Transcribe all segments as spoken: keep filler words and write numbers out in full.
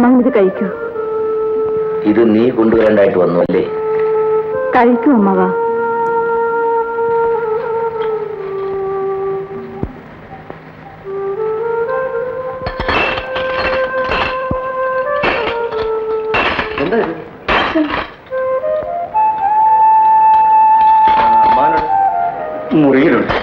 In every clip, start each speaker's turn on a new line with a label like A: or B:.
A: അമ്മ ഇത് കഴിക്കൂ.
B: ഇത് നീ കൊണ്ടുവരേണ്ടായിട്ട് വന്നു അല്ലേ?
A: കഴിക്കൂ അമ്മവാ.
B: എന്താ ഇത്? മുറിയിലുണ്ട്.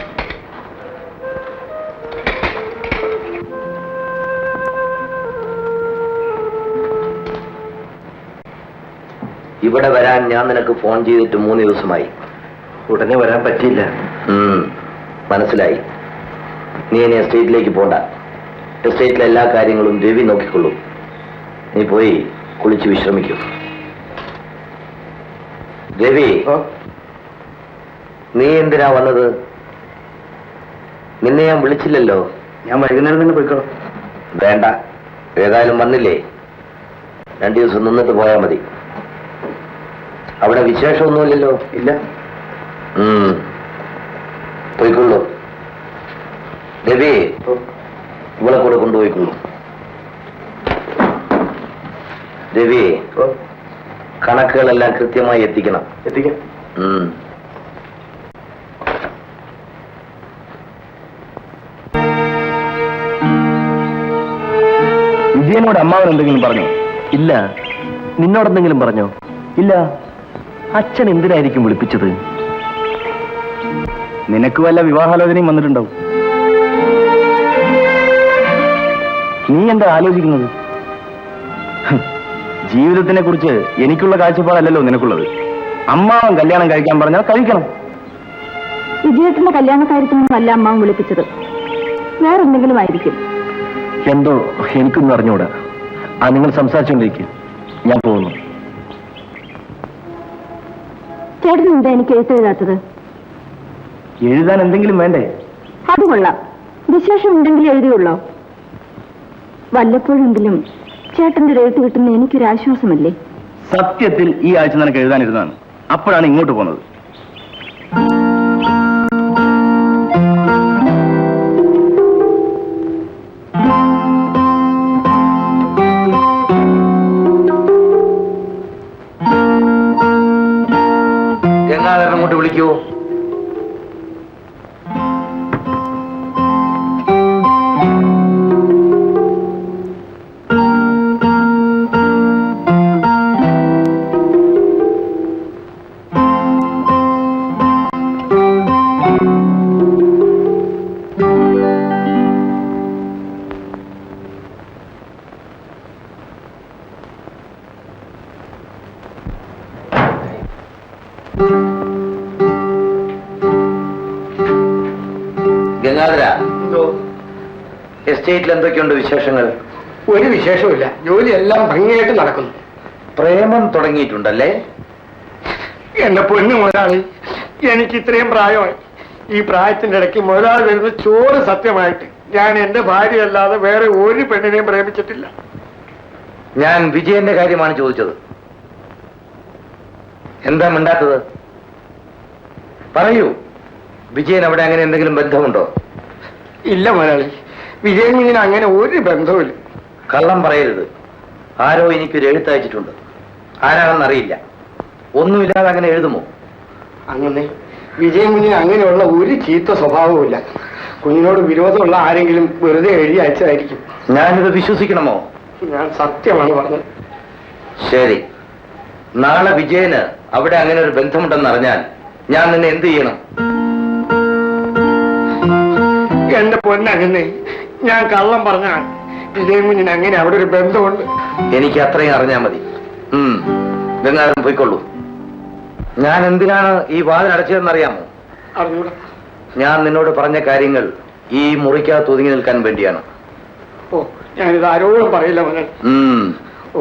B: ഇവിടെ വരാൻ ഞാൻ നിനക്ക് ഫോൺ ചെയ്തിട്ട് മൂന്ന് ദിവസമായി. ഉടനെ വരാൻ പറ്റിയില്ല. മനസ്സിലായി. നീ ഇനി എസ്റ്റേറ്റിലേക്ക് പോണ്ട. എസ്റ്റേറ്റിലെ എല്ലാ കാര്യങ്ങളും രവി നോക്കിക്കൊള്ളും. നീ പോയി കുളിച്ച് വിശ്രമിക്കൂ. രവി, നീ എന്തിനാ വന്നത്? നിന്നെ ഞാൻ വിളിച്ചില്ലല്ലോ. ഞാൻ വൈകുന്നേരം തന്നെ പോയിക്കോ. വേണ്ട, ഏതായാലും വന്നില്ലേ, രണ്ടു ദിവസം നിന്നിട്ട് പോയാൽ മതി. അവിടെ വിശേഷമൊന്നുമില്ലല്ലോ? ഇല്ല. പോയിക്കൊള്ളൂ. രവി, ഇവളെ കൂടെ കൊണ്ടുപോയിക്കൊള്ളൂ. രവി, കണക്കുകളെല്ലാം കൃത്യമായി എത്തിക്കണം. എത്തിക്കാം.
C: വിജയനോട് അമ്മാവൻ എന്തെങ്കിലും പറഞ്ഞോ? ഇല്ല. നിന്നോടെന്തെങ്കിലും പറഞ്ഞോ? ഇല്ല. അച്ഛൻ എന്തിനായിരിക്കും വിളിപ്പിച്ചത്? നിനക്ക് വല്ല വിവാഹാലോചനയും വന്നിട്ടുണ്ടാവും. നീ എന്താ ആലോചിക്കുന്നത്? ജീവിതത്തിനെ കുറിച്ച് എനിക്കുള്ള കാഴ്ചപ്പാടല്ലല്ലോ നിനക്കുള്ളത്. അമ്മാവൻ കല്യാണം കഴിക്കാൻ പറഞ്ഞാൽ കഴിക്കണം.
A: വിജയത്തിന്റെ കല്യാണ കാര്യത്തിനൊന്നുമല്ല അമ്മാവൻ വിളിപ്പിച്ചത്, വേറെന്തെങ്കിലും ആയിരിക്കും.
C: എന്തോ എനിക്കൊന്നും അറിഞ്ഞൂടാ. ആ, നിങ്ങൾ സംസാരിച്ചുകൊണ്ടിരിക്കും, ഞാൻ പോകുന്നു.
A: ചേട്ടൻ എന്താ എനിക്ക് എഴുത്തെഴുതാത്തത്?
C: എഴുതാൻ എന്തെങ്കിലും വേണ്ടേ?
A: അത് കൊള്ളാം. വിശേഷം ഉണ്ടെങ്കിൽ എഴുതിയുള്ളോ? വല്ലപ്പോഴെങ്കിലും ചേട്ടന്റെ എഴുത്ത് കിട്ടുന്ന എനിക്കൊരാശ്വാസമല്ലേ?
C: സത്യത്തിൽ ഈ ആഴ്ച നിനക്ക് എഴുതാനിരുന്നതാണ്. അപ്പോഴാണ് ഇങ്ങോട്ട് പോകുന്നത്.
B: ഗംഗാധരൻ അങ്ങോട്ട് വിളിക്കൂ. ഗംഗാധര, എസ്റ്റേറ്റിൽ എന്തൊക്കെയുണ്ട് വിശേഷങ്ങൾ?
D: ഒരു വിശേഷമില്ല. ജോലിയെല്ലാം ഭംഗിയായിട്ട് നടക്കുന്നു.
B: പ്രേമം തുടങ്ങിയിട്ടുണ്ടല്ലേ?
D: എന്റെ പൊന്നു മുതലാളി, എനിക്ക് ഇത്രയും പ്രായമായി. ഈ പ്രായത്തിന്റെ ഇടയ്ക്ക് മുതലാളി വരുന്ന ചോറ് സത്യമായിട്ട് ഞാൻ എന്റെ ഭാര്യയല്ലാതെ വേറെ ഒരു പെണ്ണിനെയും പ്രേമിച്ചിട്ടില്ല.
B: ഞാൻ വിജയന്റെ കാര്യമാണ് ചോദിച്ചത്. എന്താ മിണ്ടാത്തത്? പറയൂ, വിജയൻ അവിടെ അങ്ങനെ എന്തെങ്കിലും ബന്ധമുണ്ടോ?
D: ഇല്ല മുതലാളി, വിജയൻ കുഞ്ഞിന് അങ്ങനെ ഒരു ബന്ധവുമില്ല.
B: കള്ളം പറയരുത്. ആരോ എനിക്കൊരു എഴുത്തയച്ചിട്ടുണ്ട്. ആരാണെന്നറിയില്ല. ഒന്നുമില്ലാതെ അങ്ങനെ എഴുതുമോ?
D: അങ്ങനെ വിജയൻ കുഞ്ഞിന് അങ്ങനെയുള്ള ഒരു ചീത്ത സ്വഭാവവുമില്ല. കുഞ്ഞിനോട് വിരോധമുള്ള ആരെങ്കിലും വെറുതെ എഴുതി അയച്ചതായിരിക്കും.
B: ഞാനിത് വിശ്വസിക്കണമോ?
D: ഞാൻ സത്യമാണ് പറഞ്ഞത്.
B: ശരി, നാളെ വിജയന് അവിടെ അങ്ങനെ ഒരു ബന്ധമുണ്ടെന്ന് അറിഞ്ഞാൽ ഞാൻ നിന്നെ എന്ത് ചെയ്യണം?
D: എന്റെ പൊന്നങ്ങനെ ഞാൻ കള്ളം പറഞ്ഞാൽ വിജയൻ കുഞ്ഞിന് അങ്ങനെ അവിടെ ഒരു ബന്ധമുണ്ട്.
B: എനിക്ക് അത്രയും അറിഞ്ഞാൽ മതി. ഉം ഗംഗാധരൻ പോയിക്കൊള്ളൂ. ഞാൻ എന്തിനാണ് ഈ വാതിൽ അടച്ചതെന്നറിയാമോ?
D: അറിഞ്ഞൂടാ.
B: ഞാൻ നിന്നോട് പറഞ്ഞ കാര്യങ്ങൾ ഈ മുറിക്കകത്ത് ഒതുങ്ങി നിൽക്കാൻ വേണ്ടിയാണ്.
D: ഓ, ഞാനിത് ആരോടും പറയില്ല മകൻ.
B: ഉം
D: ഓ,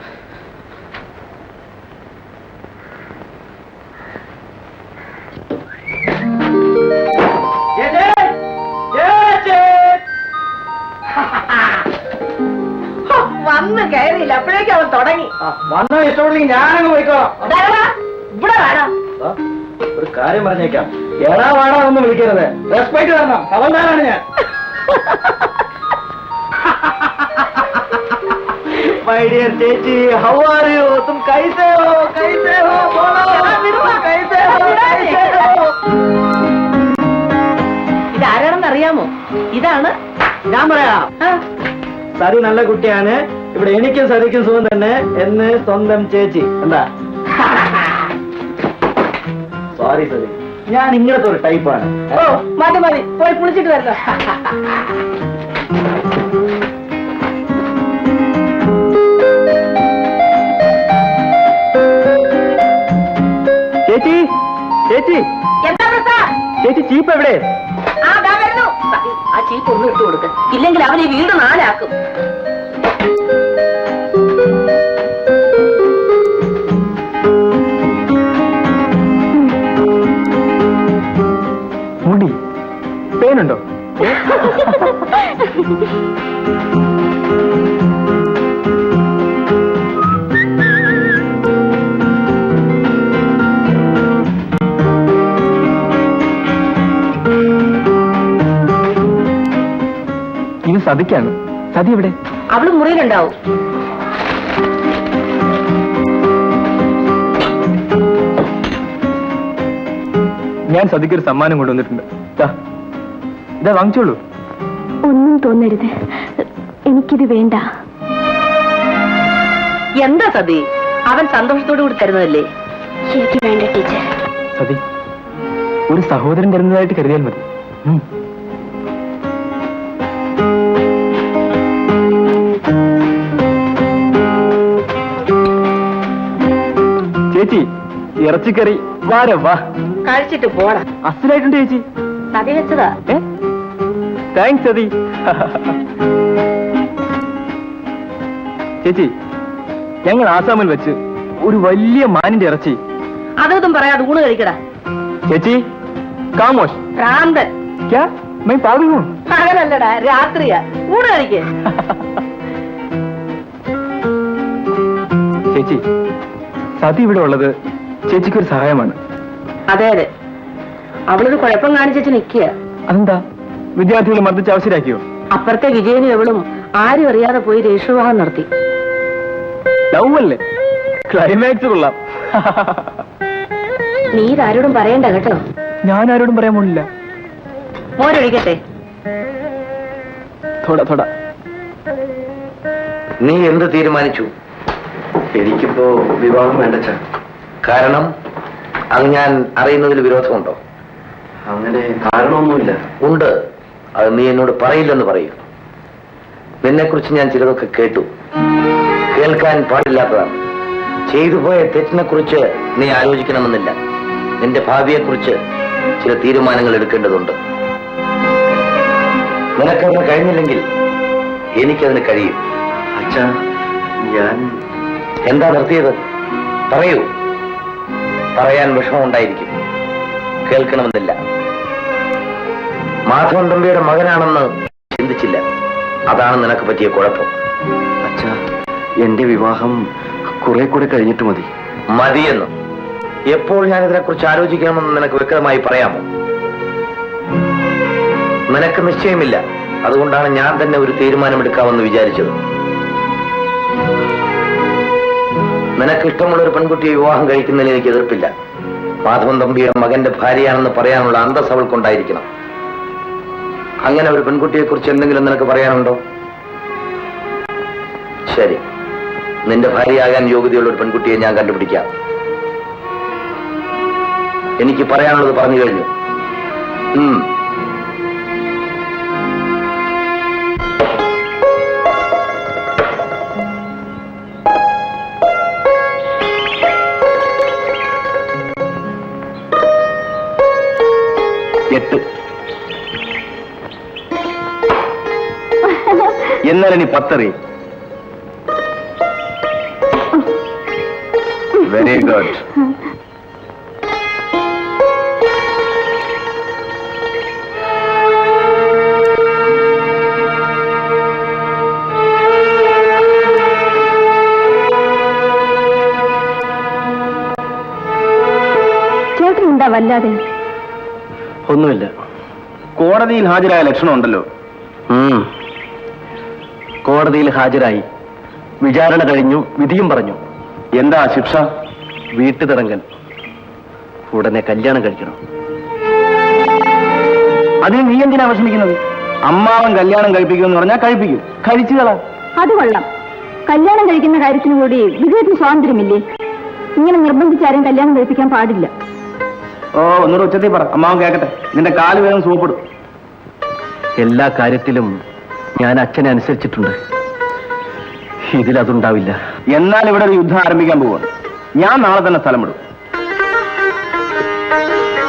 A: വന്ന് കയറിയില്ല, അപ്പോഴേക്കും അവൻ തുടങ്ങി.
D: വന്നാൽ ഇഷ്ടമുണ്ടെങ്കിൽ ഞാനങ്ങ് പോയിക്കോളാം.
A: ഇവിടെ വേണം.
C: ഒരു കാര്യം പറഞ്ഞേക്കാം, എടാ വാടാ ഒന്നും വിളിക്കരുത്.
D: റെസ്പെക്ട് തരണം. അവന്താനാണ് ഞാൻ.
C: മൈ ഡിയർ ചേച്ചി, ഹൗ ആർ യു? തും കൈസേ ഹോ? കൈസേ ഹോ? ബോളോ കൈസേ ഹോ? കൈസേ ഹോ?
A: ഇതാരാണെന്ന് അറിയാമോ? ഇതാണ്.
C: ഞാൻ പറയാം. സതി നല്ല കുട്ടിയാണ്. ഇവിടെ എനിക്കും സതിക്കും സുഖം തന്നെ എന്ന് സ്വന്തം ചേച്ചി. എന്താ? സോറി സതി, ഞാൻ ഇങ്ങനത്തെ ഒരു ടൈപ്പാണ്.
A: ഓ മതി മതി, പോയി കുളിച്ചിട്ട് വരണം.
C: ചേച്ചി ചേച്ചി
A: എന്താ പ്രസാദ്?
C: ചേച്ചി ചീപ്പ് എവിടെ?
A: ആ ദാ വരുന്നു. സതി, ആ ചീപ്പ് ഒന്നും ഇട്ട് കൊടുക്ക, ഇല്ലെങ്കിൽ അവൻ ഈ വീട് നാലാക്കും.
C: മുടി പേനുണ്ടോ? ഇത് സതിക്കാണ്. സതി എവിടെ?
A: അവള് മുറിയിലുണ്ടാവും.
C: ഞാൻ സതിക്കൊരു സമ്മാനം കൊണ്ടുവന്നിട്ടുണ്ട്. ഇതാ വാങ്ങിച്ചോളൂ.
A: ഒന്നും തോന്നരുത്, എനിക്കിത് വേണ്ട. എന്താ സതി, അവൻ സന്തോഷത്തോടു കൂടി തരുന്നതല്ലേ? എനിക്ക് വേണ്ട ടീച്ചർ.
C: സതി, ഒരു സഹോദരൻ തരുന്നതായിട്ട് കരുതിയാൽ മതി. ഉം. ചേച്ചി, ഇറച്ചിക്കറി വാര വാ.
A: കഴിച്ചിട്ട് പോടാ.
C: അസലായിട്ടുണ്ട് ചേച്ചി.
A: സതി വെച്ചതാ.
C: താങ്ക്സ് സതി. ചേച്ചി, ഞങ്ങൾ ആസാമിൽ വെച്ച് ഒരു വലിയ മാനിന്റെ ഇറച്ചി.
A: അതൊന്നും പറയാതെ ഊണ് കഴിക്കടാ.
C: ചേച്ചി കാമോഷ്.
A: ഭ്രാന്തൻ.
C: ക്യാ മൈ പാഗൽ ഹൂം?
A: പകലല്ലടാ, രാത്രിയാ. ഊണ് കഴിക്കേ.
C: ചേച്ചി, സതി ഇവിടെ ഉള്ളത് ചേച്ചിക്കൊരു സഹായമാണ്.
A: അതെ അതെ, അവളൊരു കുഴപ്പം കാണിച്ചു നിൽക്കുക.
C: അതെന്താ? വിദ്യാർത്ഥികളെ മർദ്ദിച്ച് അവസരാക്കിയോ?
A: അപ്പുറത്തെ വിജയനും എവളും ആരും അറിയാതെ പോയി രജിസ്റ്റർ നടത്തി.
C: ലവ് അല്ലേ? ക്ലൈമാക്സ് കൊള്ളാം.
A: നീ ഇതാരോടും പറയണ്ട കേട്ടോ.
C: ഞാൻ ആരോടും പറയാൻ പോണില്ല.
A: മോരൊഴിക്കട്ടെ.
C: തൊട തൊട.
B: നീ എന്ത് തീരുമാനിച്ചു?
C: എനിക്കിപ്പോ വിവാഹം വേണ്ട.
B: കാരണം അത് ഞാൻ അറിയുന്നതിൽ വിരോധമുണ്ടോ?
C: അങ്ങനെ കാരണമൊന്നുമില്ല.
B: ഉണ്ട്. അത് നീ എന്നോട് പറയില്ലെന്ന് പറയൂ. നിന്നെക്കുറിച്ച് ഞാൻ ചിലതൊക്കെ കേട്ടു. കേൾക്കാൻ പാടില്ലാത്തതാണ്. ചെയ്തു പോയ തെറ്റിനെ കുറിച്ച് നീ ആലോചിക്കണമെന്നില്ല. നിന്റെ ഭാവിയെക്കുറിച്ച് ചില തീരുമാനങ്ങൾ എടുക്കേണ്ടതുണ്ട്. നിനക്കതിന് കഴിഞ്ഞില്ലെങ്കിൽ എനിക്കതിന് കഴിയും.
C: അച്ഛാ, ഞാൻ
B: എന്താ നിർത്തിയത്? പറയൂ. പറയാൻ വിഷമമുണ്ടായിരിക്കും, കേൾക്കണമെന്നില്ല. മാധവൻ തമ്പിയുടെ മകനാണെന്ന് ചിന്തിച്ചില്ല. അതാണ് നിനക്ക് പറ്റിയ കുഴപ്പം.
C: അച്ഛാ, എന്റെ വിവാഹം കുറെ കൂടെ കഴിഞ്ഞിട്ട് മതി.
B: മതിയെന്ന് എപ്പോൾ ഞാൻ ഇതിനെക്കുറിച്ച് ആലോചിക്കണമെന്ന് നിനക്ക് വ്യക്തമായി പറയാമോ? നിനക്ക് നിശ്ചയമില്ല. അതുകൊണ്ടാണ് ഞാൻ തന്നെ ഒരു തീരുമാനമെടുക്കാമെന്ന് വിചാരിച്ചത്. നിനക്ക് ഇഷ്ടമുള്ള ഒരു പെൺകുട്ടിയെ വിവാഹം കഴിക്കുന്നതിൽ എനിക്ക് എതിർപ്പില്ല. മാധവൻ തമ്പിയുടെ മകന്റെ ഭാര്യയാണെന്ന് പറയാനുള്ള അന്തസ് അവൾക്കുണ്ടായിരിക്കണം. അങ്ങനെ ഒരു പെൺകുട്ടിയെ കുറിച്ച് എന്തെങ്കിലും നിനക്ക് പറയാനുണ്ടോ? ശരി, നിന്റെ ഭാര്യയാകാൻ യോഗ്യതയുള്ള ഒരു പെൺകുട്ടിയെ ഞാൻ കണ്ടുപിടിക്കാം. എനിക്ക് പറയാനുള്ളത് പറഞ്ഞു കഴിഞ്ഞു. ഉം
C: എട്ട്. എന്നാൽ ഇനി പത്തറി. Very good.
A: ചേട്ടൻ എന്താ വല്ലാതെ?
C: ഒന്നുമില്ല. കോടതിയിൽ ഹാജരായ ലക്ഷണം ഉണ്ടല്ലോ. കോടതിയിൽ ഹാജരായി
B: വിചാരണ കഴിഞ്ഞു, വിധിയും പറഞ്ഞു. എന്താ ശിക്ഷ? വീട്ടുതടങ്കൽ. ഉടനെ കല്യാണം കഴിക്കണം. അതിന് നീ എന്തിനാ വിഷമിക്കുന്നത്? അമ്മാവൻ കല്യാണം കഴിപ്പിക്കുമെന്ന് പറഞ്ഞാൽ കഴിപ്പിക്കും. കഴിച്ചു കള.
E: അത് കൊള്ളാം. കല്യാണം കഴിക്കുന്ന കാര്യത്തിന് കൂടി വിജയത്തിന് സ്വാതന്ത്ര്യമില്ലേ? ഇങ്ങനെ നിർബന്ധിച്ചാരും കല്യാണം കഴിപ്പിക്കാൻ പാടില്ല.
B: ഓ, ഒന്നുകൂടെ ഉച്ചത്തിൽ പറ, അമ്മാവൻ കേക്കട്ടെ. നിന്റെ കാല് വേഗം സൂപ്പിടും. എല്ലാ കാര്യത്തിലും ഞാൻ അച്ഛനെ അനുസരിച്ചിട്ടുണ്ട്. ഇതിലതുണ്ടാവില്ല. എന്നാൽ ഇവിടെ ഒരു യുദ്ധം ആരംഭിക്കാൻ പോവാണ്. ഞാൻ നാളെ തന്നെ സ്ഥലം വിടും.